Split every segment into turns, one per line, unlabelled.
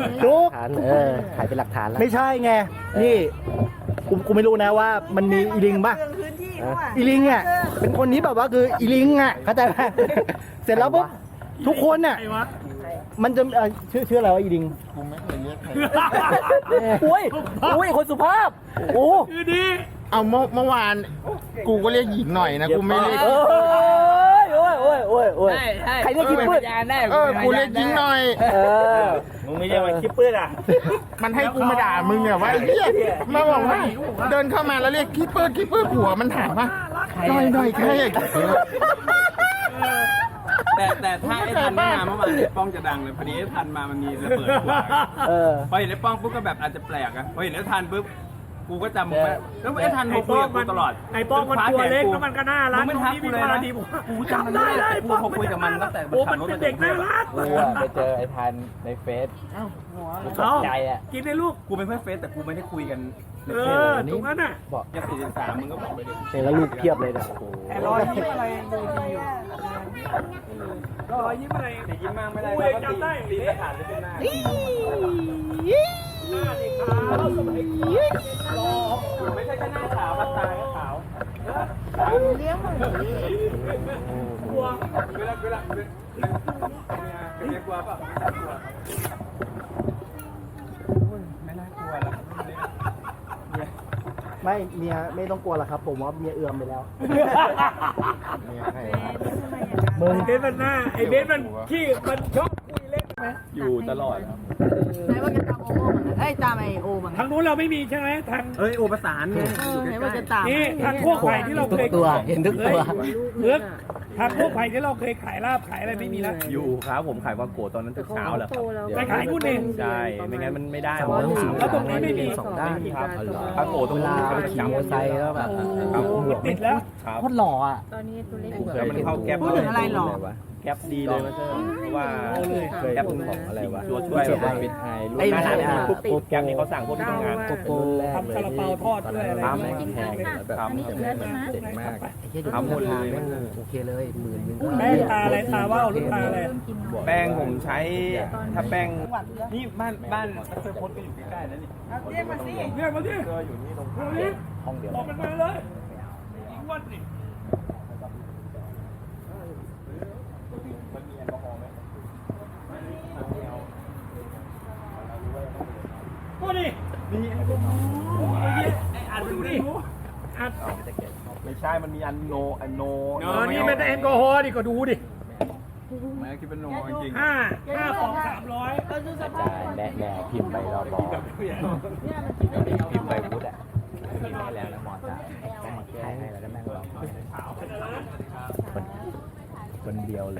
ทุก
ฐานถ่ายเป็นหลักฐานแล้ว
ไม่ใช่ไงนี่กูไม่รู้นะว่ามันมีอีลิงป่ะ
พื้นที่เขาอ่ะ
อีลิงอ่ะเป็นคนที่แบบว่าคืออีลิงอ่ะเข้าใจไหมเสร็จแล้วปุ๊บทุกคนน่ะมันจะชื่ออะไรวะอีลิง
กูไม่เคยเรียกใคร
อุ้ยคนสุภาพโอ้
เอาเมื่อวานกูก็เรียกหญิงหน่อยนะกูไม่เรียก
โอ้ยใครเรียกคิปปื้ด
กูเรียกหญิงหน่อย
มึงไม่ใช่ว่าคิปปื้ดอ่ะ
มันให้กูมาด่ามึงเนี่ยว่าไอ้เหี้ยมาบอกว่าเดินเข้ามาแล้วเรียกคิปเปอร์หัวมันถามว่าหน่อยใครอะ
แต่ถ้าไอ้ทันไม่มาเมื่อวานไอ้ป้องจะดังเลยพอดีไอ้ทันมามันมีระเบิดหัวพอเห็นไอ้ป้องปุ๊บก็แบบอาจจะแปลกอะพอเห็นไอ้ทันปุ๊บกูก็จำมึงไว้แล้วไอ้ทันโทรคุยกับกูตลอด
ไอ้ป้องมันตัวเล็กแล้วมันก็น่ารัก
มึงไม่ทักกูเลยนะกูจำมันได้แต่กูโทรคุยกับมันตั้งแต่
โอ้มันเป็นเด็กน่ารัก
กูอะไปเจอไอ้พันในเฟซตกใจอ่ะ
กินในลูก
กูเป็นเพื่อนเฟซแต่กูไม่ได้คุยกันใน
เอ
เฟซ
อ
เลย
ตรงนั้นน่ะ
ยัง43มึงก็บอกไปดิ
เห็นแล้วลูกเพียบเลยนะโอ้โห
แต่รอยยิ้มอะไรดูดีอยู่รอยยิ้มอะไร
แต่ยิ้มมากไม่ได้
กู
แล้ว
ยัง
ก็
จำได้
ตีสถานเลยเป็นหน้า
หน้าดิขาวสมัยรอ
ไม่ใช่แค่หน้าขาวตาก็ขาว
เลี้ยงหมู
กลัว
เวลาเป็นเรียกว่าเปล่าไม่น่ากลัวหรอก
ไม่เมียไม่ต้องกลัวหรอกครับ ผมว่าเมียเอื้อมไปแล้ว
มึงเบสมันหน้าไอ้เบสมันขี้มันชอบคุยเล่นไหม
อยู่ตลอดครับ
ไหนว่าจะตามโอโม่เหมือนกันเอ้ยตามไอโอเหมือนกั
ทาน งนู้นเราไม่มีใช่ไหมทาง
เอ้ยโอประสานไง
ไหนว่าจะตาม
นี่ทางพวกไผ่ที่เราเคย
เห็นทุกตัว
เลือกทางพวกไผ่ที่เราเคยขายลาบขายอะไรไม่มีแล้ว
อยู่ครับผมขายว่าโกตอนนั้นถึงเช้าแหละครับ
ไปขายนู่นเอง
ใช่ไม่งั้นมันไม่ได้
แล้วตรงนี้ไม่มี
สองด้าน
ครับปลาโกตรง
เวลา
นี้
ไปขี่มอเตอร์ไซค์แล้วแบบ
ครับ
มันติดแล้ว
ครับ
โคตรหล่ออ่ะ
ตอนนี้ตัวเล็ก
เผื่อมันเข้าแก๊ป
พูดถึงอะไรหรอ
แก๊ปดีเลยมาเถอะเพราะว่าแก๊ปของอะไรวะตัวช่วย
ไอ้
แบบปิดไฮลูกหน้าร้านเนี่ยปุ๊บแก๊ปนี่เขาสั่งพวกที่ทำงาน
โกโปรแรก
ทำซาลาเปาทอดด้วยอะไร
ปั๊ม
ด้วย
แพงแบบ
ครับ
เจ๋งมากไอ้เหี้ย
ทำหมดเลย
มันโอเคเลย10,000ก็
แป้งตาอะไรตาว่าวหรือตาอะไร
แป้งผมใช้ถ้าแป้งนี่บ้านเคยโพสต์กันอยู่ใกล้ๆนะนี่
เรียกมาสิเรียกมาสิ
ก็อยู่นี่ตรง
ห้องเดียว
บอกมันมาเลยอีกวันสิก็ดินี่ไอ้อันดูดิอัน
ไม่ใช่มันมีอันโน
นี่ไม่ได้แอลกอฮอล์ดิก็ดูดิ
ไม่คิดเป็นโนจริง
5 2 300
แด่พิมพ์ไปรอบพิมพ์ไปพุทธอ่ะพิมพ์ให้แล้วแล้วหมอจ่ายแม่งแก้ให้แล้วก็แม่งร้องคนเดียวเลย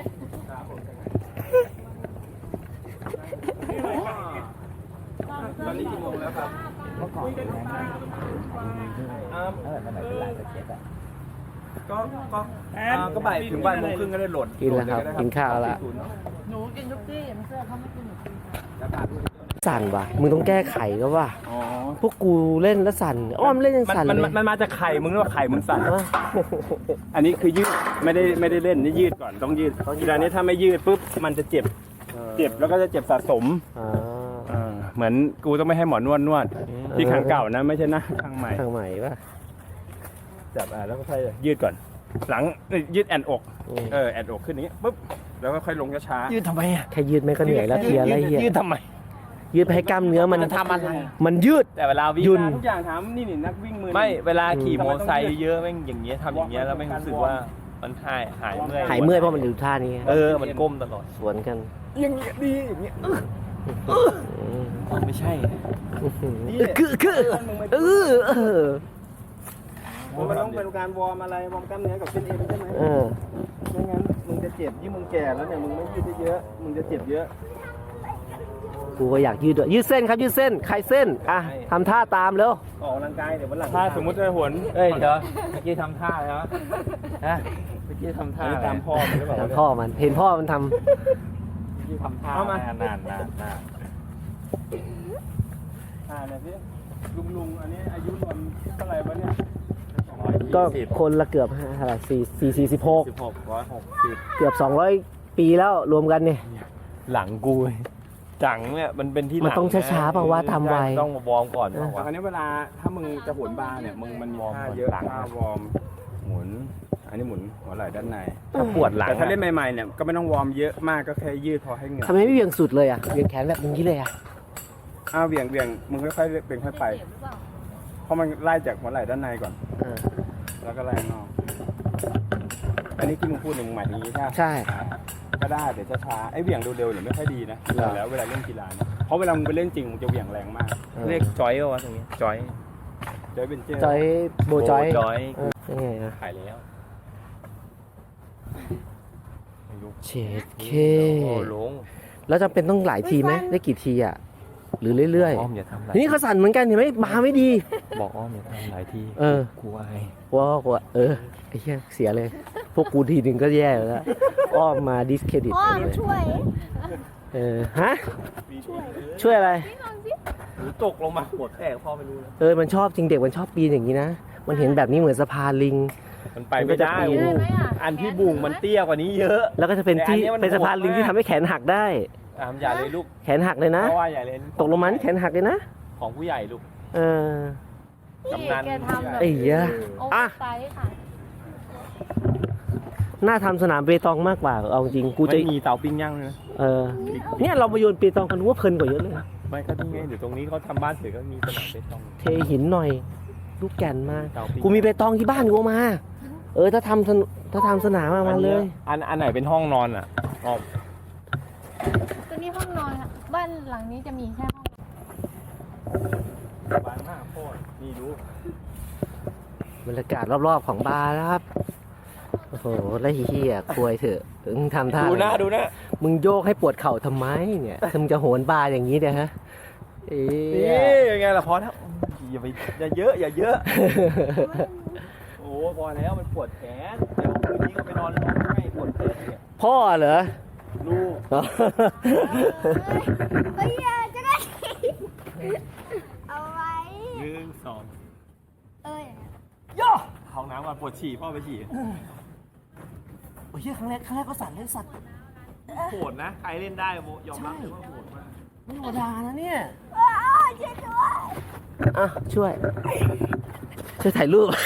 ตอนนี้กี่โมงแล้วครับ
เมื่อก่อนเป็นไงสมัยเป็นหลานสเก็ตอ่ะ
ก็บ่ายถึงบ่ายโมงครึ่งก็ได้โหลด
กินแล้วครับกินข้าวแล้ว
หนูกินทุกที่ไม่เชื่อเขาไม่กินหนูกิน
สั่นว่ะมึงต้องแก้ไขก็ว่ะพวกกูเล่นแล้วสั่นอ้อมเล่นยังสั่นเลย
มันมาจากไข่มึงหรือว่าไข่มึงสั่นอันนี้คือยืดไม่ได้เล่นนี่ยืดก่อนต้องยืดทีละนี้ถ้าไม่ยืดปุ๊บมันจะเจ็บแล้วก็จะเจ็บสะสมเหมือนกูต้องไม่ให้หมอนวดที่ข้างเก่านะไม่ใช่นะข้างใหม่
ทางใหม่ป่ะ
จับแล้วก็ค่อยยืดก่อน หลังยืดแอนอกแอนอกขึ้นนี้ปุ๊บแล้วก็ค่อยลงช้าๆยืดทำไมอ่ะ
แค่ยืดไม่ก็เหนื่อยแล้วเทียอะไรเหี้ย
ยืดทำไม
ยืดไปให้กล้ามเนื้อมันทำอะไรมันยืด
แต่เวลาวิ่ง
ยุ่น
ทุกอย่างถามนี่นักวิ่งมือไม่เวลาขี่มอเตอร์ไซค์เยอะแม่งอย่างเงี้ยทำอย่างเงี้ยแล้วไม่รู้สึกว่ามันหายเมื่อย
หายเมื่อยเพราะมันอยู่ท่านี้
มันก้มตลอด
สวนกัน
อย่างเงี้ยดีอย่างเงี้ยไม่ใช่ มันต้องเป็นการวอร์มอะไรวอร์มกล้ามเนื้อกับเส้นเอ็นใช่ไหมไม่งั้นมึงจะเจ็บยิ่งมึงแก่แล้วเนี่ยมึงไม่ยืดเยอะมึงจะเจ็บเยอะ
กูก็อยากยืดด้วยยืดเส้นครับยืดเส้นใครเส้นอ่ะทำท่าตามเร็ว
ออกกำลังกายเดี๋ยววันหลังถ้าสมมติว่าหวน
เอ้ยเดี๋ยวเมื่อกี้ทำท่าอะไรวะฮะเมื่อกี้ทำท่า
ตามพ่อมันหรือเปล่า
ตามพ่อมันเห็นพ่อมันท
ที่ทำท่ามาเนี่ยพี่ลุงอันนี้อายุรวมเท่าไหร่วะเนี่ย
ำก็คนละเกือบเท่าไหร่46
160
เกือบ200 ปีแล้วรวมกันเนี่ย
หลังกู
จังเนี่ยมันเป็นที่
มันต้องช้าๆเปล่าวะทำไว
ต้องมาวอร์มก่อนเปล่าวะ
คราวนี้เวลาถ้ามึงจะโหนบาร์เนี่ยมึงมันมีท่าเยอะท่าวอร์มหมุน อันนี้หมุนหัวไหล่ด้านใน
ถ้าปวดหลัง
แต่ถ้าเล่นใหม่ๆเนี่ยก็ไม่ต้องวอร์มเยอะมากก็แค่ยืดพอให้เหงื่อ
ทำไมไม่เบี่ยงสุดเลยอ่ะเบี่ยงแขนแบบนี้เลยอ่ะ
เบี่ยงมึงค่อยๆเบี่ยงค่อยไปเพราะมันไล่จากหัวไหล่ด้านในก่อน แล้วก็ไล่ข้างนอกอันนี้ที่มึงพูดเนี่ยมึงหมายถึงนี้ใช่ไหม
ใช่
ก็ได้แต่ช้าๆไอ้เบี่ยงเร็วๆเนี่ยไม่ค่อยดีนะดูแล้วเวลาเล่นกีฬาเนี่ยเพราะเวลามึงไปเล่นจริงมึงจะเบี่ยงแรงมาก
เรียกจอยเหรอวะตรงนี้จอย
จอยเป็นเจอร์
จอยโบจอย
จอย
ยังไงนะ
ขายแล้ว
เชดเค
โอ้ลง
แล้วจำเป็นต้องหลายทีไหมได้กี่ทีอ่ะหรือเรื่อย
อ้อมอย่าทำหลาย
ๆนี่เขาสั่นเหมือนกันเห็นไหมบาไม่ดี
บอกอ้อมอย่าทำหลายที่
เออ
กลัวไอ้
ว่าไอ้เหี้ยเสียเลย พวกกูทีหนึ่งก็แย่แล้วอ้อมมาดิสเครดิต
พ่อ
เลย
ช่วย
ฮะช่วยอะไร
หรือตกลงมาหัวแตกพ่อไม่รู้นะ
มันชอบจริงเด็กมันชอบปีนอย่างนี้นะ มันเห็นแบบนี้เหมือนสะพานลิง
มันไปไม่ได้
มันก็จะปีน
โอ้โหอันที่บุ่งมันเตี้ยกว่านี้เยอะ
แล้วก็จะเป็นที่
แต่อันนี้มัน
เป็นสะพานลิงที่ทำให้แขนหักได้
อย่าเลยลูก
แขนหักเลยนะ
เพราะว่าอย่าเลย
ตกลงมานี่แขนหักเลยนะ
ของผู้ใหญ่ลูก
เออ
พี่
กำนัน
แกทำแบบ
ไอ้เหี้ย
โอ้
อ่ะ
ไซส์ค่ะ
น่าทำสนามเปตองมากกว่าเอาจริงกูจะ
ไม่มีเตาปิ้งย่างเลยนะ
เนี่ยเรามาโยนเปตองกันว่าเพลินกว่าเยอะเลย
ไม่ก็นี่ไงเดี๋ยวตรงนี้เขาทำบ้านเสร็จก็มีสนามเปตอง
เทหินหน่อย ลูกแก่นมา
เตาปิ้ง
กูมีเปตองที่บ้านกูเอามา ถ้าทำสนามมาเลย
อันไหนเป็นห้องนอนอ่ะอ๋อ
ตัวนี้ห้องนอนค่ะบ้านหลังนี้จะมีแค่ห้อง
บ้านหน้าโคตรนี่รู้
บรรยากาศรอบๆของบาร์นะครับ โอ้โหแล้วเฮียควยเถอะมึงทำท่า
ดูนะดูนะ
มึงโยกให้ปวดเข่าทำไมเนี่ยมึงจะโหนบาร์อย่างนี้เนี่ยฮะเอ๊
นี่
ะ
ยังไงล่ะพอแล้วอย่าไปอย่าเยอะอย่าเยอะ โอ้พอแล้วมันปวดแขนเดี๋ยวคืนนี้ก็ไปนอนร้องไห้ปวดแขนเนี่ย
พ่อเหรอ
ลูก
เฮ้ยจะได้ เอาไว้
หนึ่งสอง
เอ้ย
ย่อเข้าน้ำก่อนปวดฉี่พ่อไปฉี่
โอ้ยครั้งแรกก็สั่นเล่นสัตว์
โหดนะใครเล่นได้โมยอมรับเลยว่าโหดมาก
ไม่ธรรมดานะเนี่ย
ช่วยด้วย
อ่ะช่วยถ่ายรูป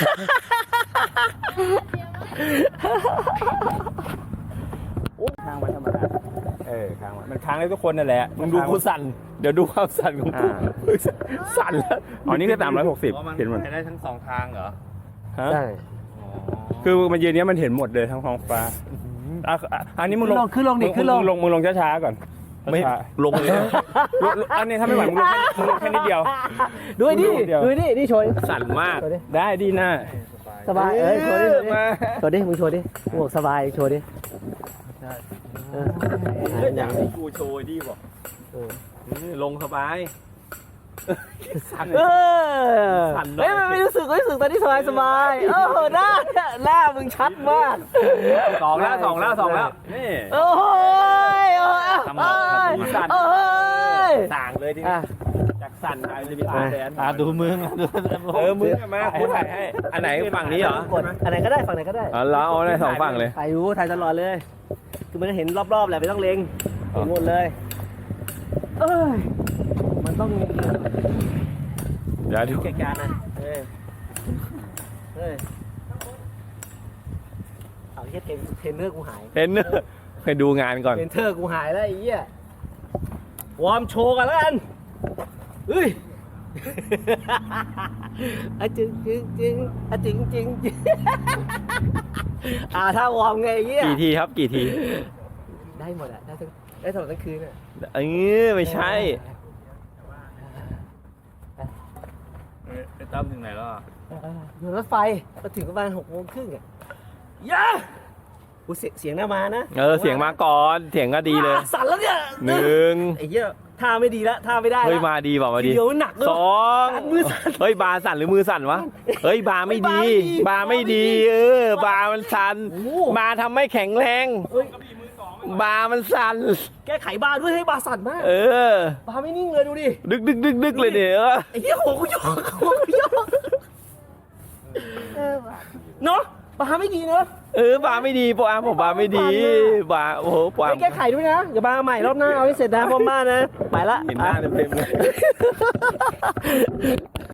ค้างไว้ธรรมดาค้างไว้มันค้างได้ทุกคนนั่นแหละ
มึงดูกูสั่นเดี๋ยวดูความสั่นของกูสั่นแล้ว
อ๋อนี่คือ360เห็นหมด
ได้ทั้งสองทางเหรอ
ฮะ
ใช่
คือมันยืนเนี้ยมันเห็นหมดเลยทั้งท้องฟ้าอันนี้มึงลง
ขึ้นลงดิขึ้นลง
มึงลงช้าๆก่อน
ไม่
ช้า
ลงเลย
ๆอันนี้ถ้าไม่ไหวมึงลงแค่นิดเดียว
ด้วยดิ
เดี๋ยว
ด้วยดินี่โชว์ดิ
สั่นมาก
โชว์ดิ
ได้ดีหน้า
สบายโชว์ดิ
มา
โชว์ดิมึงโชว์ดิมึงบอกสบายโชว์ดิเออ
อย่างที่กูโชว์ดีบอกลงสบายสั่น
เออ
สั่นหน่อย
เฮ้ยมันไม่รู้สึกตอนนี้สบายหน้ามึงชัดมาก
สองแล้วนี่
โอ้ย
ทำหมดสั่น
โอ้ย
ต่างเลยที
อ่ะ
นี้จากสั่นกลายเป็นมีตาแดน
ดูมึงดู
มึงมากูถ่ายให้อันไหนฝั่งนี้เหรอก
ดอันไหนก็ได้ฝั่งไหนก็ได้
อ๋อแล้วเอาได้สองฝั่งเลย
ถ่ายอยู่ถ่ายตลอดเลย คือมันก็เห็นรอบๆแหละไม่ต้องเล็งเห็นหมดเลยเอ้ยมันต้อง
เดี๋ยวดู
เก่งการนะเฮ้ยเอาเฮียเทรนเนอร์กูหาย
เห็นเนอะไปดูงานก่อน
เทรนเนอร์กูหายแล้วไอ้เหี้ย วอร์มโชว์กันแล้วกันเฮ้ยอะจึงอะจึงถ้าวอร์มไงไอ้เหี้ย
กี่ทีครับกี่ที
ได้หมดอะได้ตลอดทั้งคืนอะ
ไม่ใช่
ไอ้ตั้มถึงไหนแล้ว
อยู่รถไฟมาถึงประมาณ6:30อะย่ากูเสียงหน้ามานะ
เสียงมาก่อนเสียงก็ดีเลย
สั่นแล้วเนี่ย
หนึ่ง
ไอ้เหี้ยท่าไม่ดีแล้วท่าไม่ได้
เฮ้ย
แล้ว
มาดีเปล่ามาดี
เดี๋ยวหนักเลย
สอง
มือสั่น
เฮ้ยบาสั่นหรือมือสั่นวะเฮ้ยบาไม่ดี บาไม่ดีบามันสั่น
โอ้โห
บาทำไม่แข็งแรง
เฮ้ย
บามันสั่น
แก้ไขบาร์ด้วยให้บาร์สั่นมาก
อ
บาร์ไม่นิ่งเลยดูดิ
ดึกเลยเนี่ย
ไอ้เหี้ยหัวกูโยกเนาะปลาไม่ดีเนอะ
ปลาไม่ดีปลาผมปลาไม่ดีปลาโอ้โหปลา
ไปแก้ไขด้วยนะอย่าปลาใหม่รอบหน้าเอาให้เสร็จนะพ่อบ้านนะไปละ
เห็นหน้าเต็มๆเลย